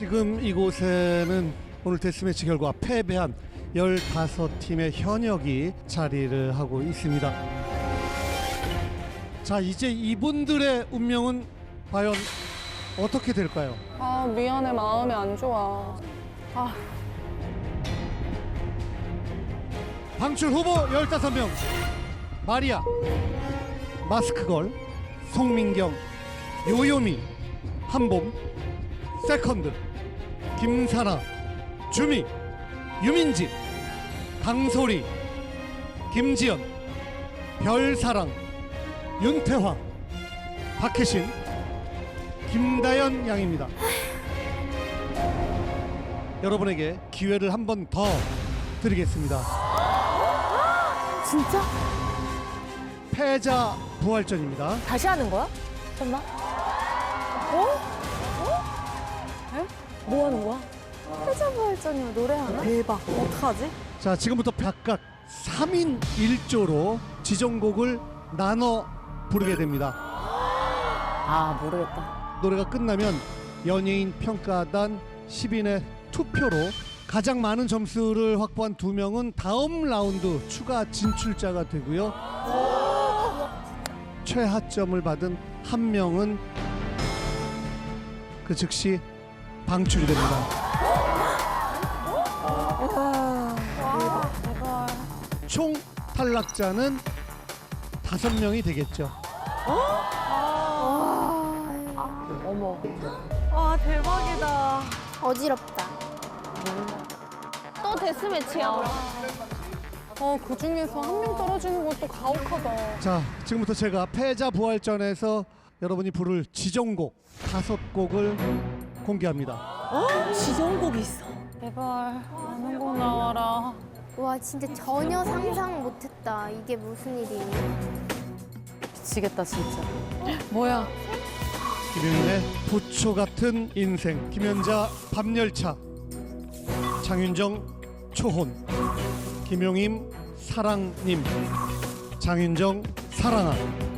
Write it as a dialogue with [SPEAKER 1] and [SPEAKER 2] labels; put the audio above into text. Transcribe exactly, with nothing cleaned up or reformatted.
[SPEAKER 1] 지금 이곳에는 오늘 데스매치 결과 패배한 열다섯 팀의 현역이 자리를 하고 있습니다. 자, 이제 이분들의 운명은 과연 어떻게 될까요?
[SPEAKER 2] 아, 미안해. 마음이 안 좋아. 아,
[SPEAKER 1] 방출 후보 열다섯 명. 마리아, 마스크걸, 송민경, 요요미, 한봄, 세컨드, 김사나, 주미, 유민지, 강소리, 김지연, 별사랑, 윤태화, 박혜신, 김다연 양입니다. 여러분에게 기회를 한 번 더 드리겠습니다.
[SPEAKER 3] 진짜?
[SPEAKER 1] 패자 부활전입니다.
[SPEAKER 3] 다시 하는 거야? 잠깐만. 어? 어? 에? 뭐 하는 거야? 패자부활전이야. 노래하나? 대박. 어떡하지?
[SPEAKER 1] 자, 지금부터 각각 삼 인 일 조로 지정곡을 나눠 부르게 됩니다.
[SPEAKER 3] 아, 모르겠다.
[SPEAKER 1] 노래가 끝나면 연예인 평가단 십 인의 투표로 가장 많은 점수를 확보한 두 명은 다음 라운드 추가 진출자가 되고요. 최하점을 받은 한 명은 그 즉시 방출이 됩니다. 총 탈락자는 다섯 명이 되겠죠.
[SPEAKER 3] 어머. 와, 대박이다.
[SPEAKER 4] 어지럽다. 또 데스매치야.
[SPEAKER 2] 어, 그 중에서 한 명 떨어지는 것도 가혹하다.
[SPEAKER 1] 자, 지금부터 제가 패자 부활전에서 여러분이 부를 지정곡 다섯 곡을 공개합니다.
[SPEAKER 3] 어? 지정곡이 있어.
[SPEAKER 2] 제발, 아는 곡 나와라.
[SPEAKER 4] 와, 진짜 전혀 상상 못했다. 이게 무슨 일이니?
[SPEAKER 3] 미치겠다, 진짜.
[SPEAKER 2] 뭐야?
[SPEAKER 1] 김윤의 부초 같은 인생, 김연자 밤열차, 장윤정 초혼, 김용임 사랑님, 장윤정 사랑아,